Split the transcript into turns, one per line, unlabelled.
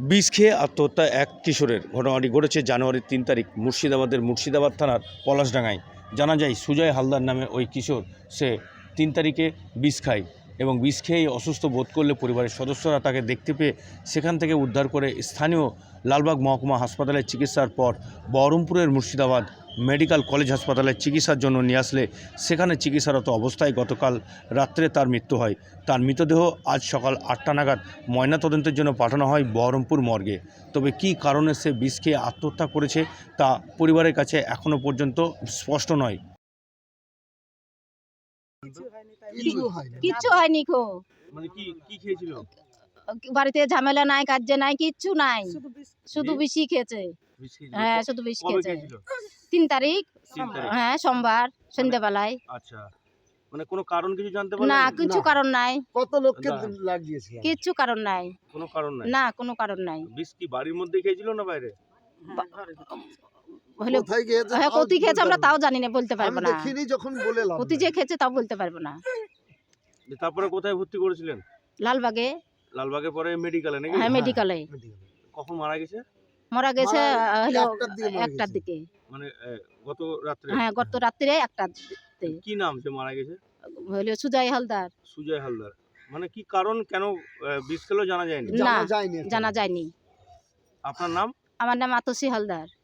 বিষ খেয়ে আত্মহত্যা এক কিশোরের। ঘটনাটি ঘটেছে জানুয়ারির 3 তারিখ মুর্শিদাবাদের মুর্শিদাবাদ থানার পলাশডাঙ্গায়। জানা যায় সুজয় হালদার নামে ওই কিশোর, সে 3 তারিখে বিষ খায় এবং বিষ খেয়েই অসুস্থ বোধ করলে পরিবারের সদস্যরা তাকে দেখতে পেয়ে সেখান থেকে উদ্ধার করে স্থানীয় লালবাগ মহকুমা হাসপাতালে চিকিৎসার পর বহরমপুরের মুর্শিদাবাদ মেডিকেল কলেজ হাসপাতালে চিকিৎসার জন্য নিয়ে আসলে সেখানে চিকিৎসারত অবস্থায় গতকাল রাত্রে তার মৃত্যু হয়। তার মৃতদেহ আজ সকাল 8টা নাগাদ ময়নাতদন্তের জন্য পাঠানো হয় বহরমপুর মর্গে। তবে কী কারণে সে বিষ খেয়ে আত্মহত্যা করেছে তা পরিবারের কাছে এখনও পর্যন্ত স্পষ্ট নয়।
কিচ্ছু হয়নি খো,
মানে কি খেয়েছিল?
বাড়িতে ঝামেলা নাই, কাজে নাই, কিচ্ছু নাই, শুধু বেশি খেয়েছে। হ্যাঁ, শুধু বেশি খেয়েছে। 3 তারিখ, হ্যাঁ সোমবার সন্ধ্যাবেলায়।
আচ্ছা, মানে কোনো কারণ কিছু জানতে পারলেন?
না, কিছু কারণ নাই,
কত লোককে লাগিয়েছিল?
কিচ্ছু কারণ নাই,
কোনো কারণ নাই।
না কোনো কারণ নাই।
বিষ কি বাড়ির মধ্যে খেয়েছিল না বাইরে?
হলে
কোথায় গিয়েছে?
হ্যাঁ, কতি খেয়েছে আমরা তাও জানি না, বলতে পারবো
আমি
না।
দেখিনি যখন বলে লাভ
কতি
নেই।
যে খেয়েছে তাও বলতে পারবো না।
তারপরে কোথায় ভর্তি করেছিলেন?
লালবাগে,
লালবাগে পরে মেডিকেলে নাকি?
হ্যাঁ মেডিকেলে।
কখন মারা গেছে?
মারা গেছে হলো
1টার দিকে মারা
1টার
গেছে।
দিকে।
মানে গত রাত্রে?
হ্যাঁ, গত রাত্রে 1টার দিকে।
কি নাম সে মারা গেছে?
হলো সুজয় হালদার।
সুজয় হালদার। মানে কি কারণ, কেন বিষ খেলো জানা যায়নি?
না,
জানা যায়নি।
জানা যায়নি।
আপনার নাম?
আমার নাম আতসী হালদার।